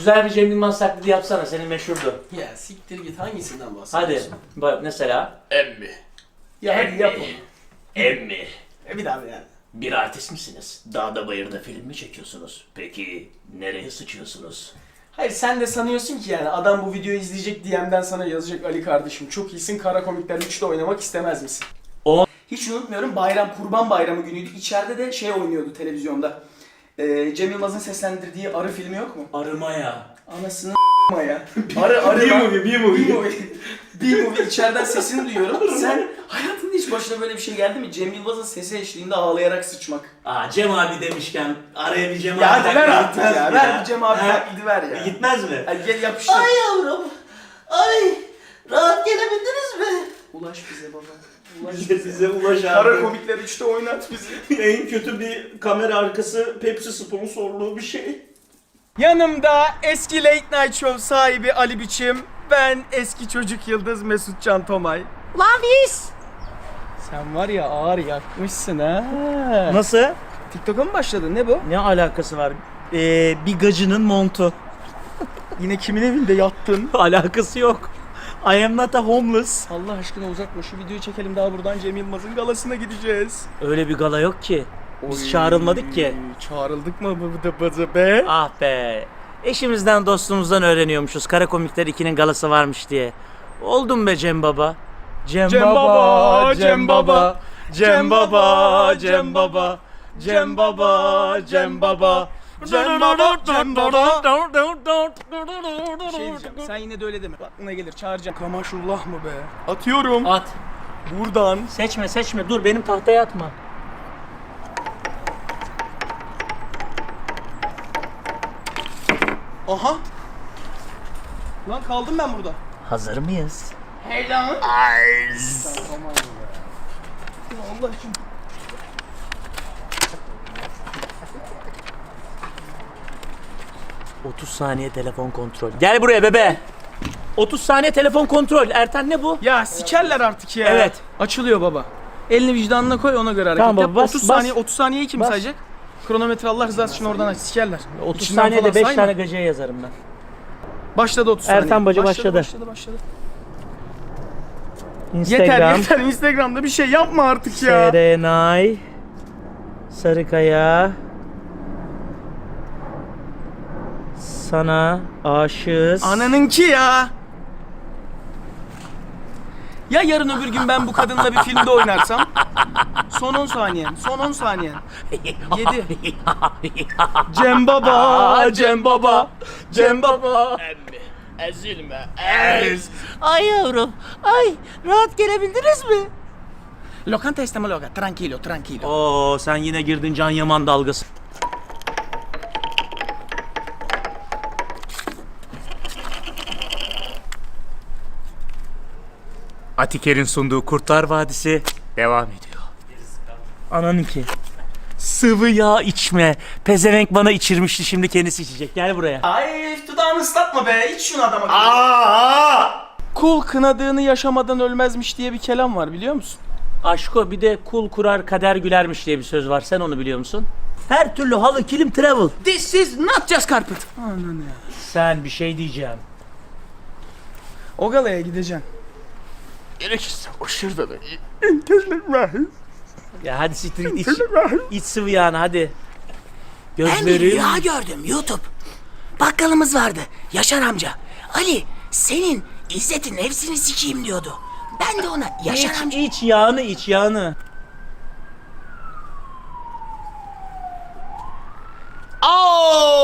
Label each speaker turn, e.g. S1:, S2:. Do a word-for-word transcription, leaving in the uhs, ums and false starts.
S1: Güzel bir Cem Yılmaz taklidi yapsana, senin meşhurdu.
S2: Ya siktir git, hangisinden
S1: Hadi
S2: bahsediyorsun?
S1: bak mesela. Emmi.
S2: Ya hadi yap onu.
S1: Emmi.
S2: E bir daha bir yani.
S1: Bir artist misiniz? Dağda bayırda film mi çekiyorsunuz? Peki nereye sıçıyorsunuz?
S2: Hayır, sen de sanıyorsun ki yani adam bu videoyu izleyecek, D M'den sana yazacak, Ali kardeşim çok iyisin, Kara Komikler üçte oynamak istemez misin?
S1: O
S2: Hiç unutmuyorum, bayram, Kurban Bayramı günüydü. İçeride de şey oynuyordu televizyonda. Ee, Cem Yılmaz'ın seslendirdiği Arı filmi yok mu?
S1: arımaya.
S2: Anasını ya. Arı arı.
S1: B-movie, B-movie.
S2: B-movie. B-movie içeriden sesini duyuyorum. Sen hayatında hiç başına böyle bir şey geldi mi? Cem Yılmaz'ın sesi eşliğinde ağlayarak sıçmak.
S1: Aa, Cem abi demişken araya bir Cem abi
S2: Ya hadi ver
S1: taklidi
S2: artık
S1: gitmez
S2: ya.
S1: mi
S2: Ver bir Cem abi
S1: He?
S2: taklidi ver ya.
S1: Gitmez mi?
S2: Hadi gel yapıştır.
S1: Ay yavrum. Ay. Rahat gelebildiniz mi?
S2: Ulaş bize baba. Ulaş
S1: İşte bize ulaş abi.
S2: Kara Komikler üçte oynat bizi.
S1: En kötü bir kamera arkası Pepsi sponsorluğu bir şey.
S2: Yanımda eski Late Night Show sahibi Ali Biçim, ben eski çocuk yıldız Mesut Can Tomay.
S3: Lan biz.
S2: Sen var ya ağır yakmışsın ha.
S1: Nasıl?
S2: TikTok'a mı başladın, ne bu?
S1: Ne alakası var? Ee, bir gacının montu.
S2: Yine kimin evinde yattın?
S1: Alakası yok. I am not a homeless.
S2: Allah aşkına uzatma, şu videoyu çekelim, daha buradan Cem Yılmaz'ın galasına gideceğiz.
S1: Öyle bir gala yok ki. Biz
S2: Oy,
S1: çağrılmadık ki.
S2: Çağrıldık mı bu da bazı be?
S1: Ah be. Eşimizden dostumuzdan öğreniyormuşuz. Kara Komikler ikinin galası varmış diye. Oldum be Cem Baba. Cem,
S2: Cem Baba, Cem Baba,
S1: Cem Baba, Cem Baba, Cem Baba, Cem Baba.
S2: Cem Baba, Cem Baba. Şey diyeceğim, sen yine de öyle deme. Aklına gelir, çağıracağım. Kamaşullah mı be? Atıyorum.
S1: At.
S2: Buradan.
S1: Seçme seçme. Dur, benim tahtaya atma.
S2: Aha. Lan kaldım ben burada.
S1: Hazır mıyız?
S2: Hey lan.
S1: Ayz.
S2: Tamam be. Allah için.
S1: otuz saniye telefon kontrol. Gel buraya bebe. otuz saniye telefon kontrol. Ertan ne bu?
S2: Ya sikerler artık ya.
S1: Evet.
S2: Açılıyor baba. Elini vicdanına koy, ona göre hareket
S1: Tamam
S2: yap.
S1: baba, bas,
S2: otuz
S1: bas.
S2: saniye, otuz saniyeyi kim
S1: Bas.
S2: sayacak? Kronometre Allah rızası için oradan aç, sikerler.
S1: otuz
S2: İçinden
S1: saniyede
S2: falan
S1: beş
S2: sayma.
S1: tane gacıya yazarım ben.
S2: Başladı otuz saniye.
S1: Ertan Bacı başladı.
S2: Başladı, başladı.
S1: Instagram.
S2: Yeter yeter, Instagram'da bir şey yapma artık ya.
S1: Serenay Sarıkaya, sana aşığız.
S2: Ananınki ya. Ya yarın öbür gün ben bu kadınla bir filmde oynarsam? Son on saniyen, son on saniyen. yedi. Cem Baba, Cem Baba, Cem Baba.
S1: Ezilme, ez. Ay yavrum, ay rahat gelebildiniz mi?
S2: Lokanta isteme loca, tranquilo, tranquilo.
S1: Oo, sen yine girdin Can Yaman dalgası. Atiker'in sunduğu Kurtlar Vadisi devam ediyor. Ananınki. Sıvı yağ içme. Pezevenk bana içirmişti, şimdi kendisi içecek. Gel buraya.
S2: Ay dudağını ıslatma be, iç şunu adama.
S1: Aa!
S2: Kul kınadığını yaşamadan ölmezmiş diye bir kelam var, biliyor musun?
S1: Aşko, bir de kul kurar kader gülermiş diye bir söz var. Sen onu biliyor musun? Her türlü halı, kilim, travel.
S2: This is not just carpet. Ananı ya.
S1: Sen bir şey diyeceğim.
S2: O galaya gideceksin.
S1: Gerekirse o şurada da. Ya hadi siktir git, iç, iç sıvı yağını hadi.
S3: Ben bir
S1: Gözlerim.
S3: rüya gördüm YouTube. Bakkalımız vardı, Yaşar amca. Ali, senin İzzet'in hepsini sikeyim diyordu. Ben de ona Yaşar
S1: İç,
S3: amca...
S1: iç yağını, iç yağını.
S2: Oh!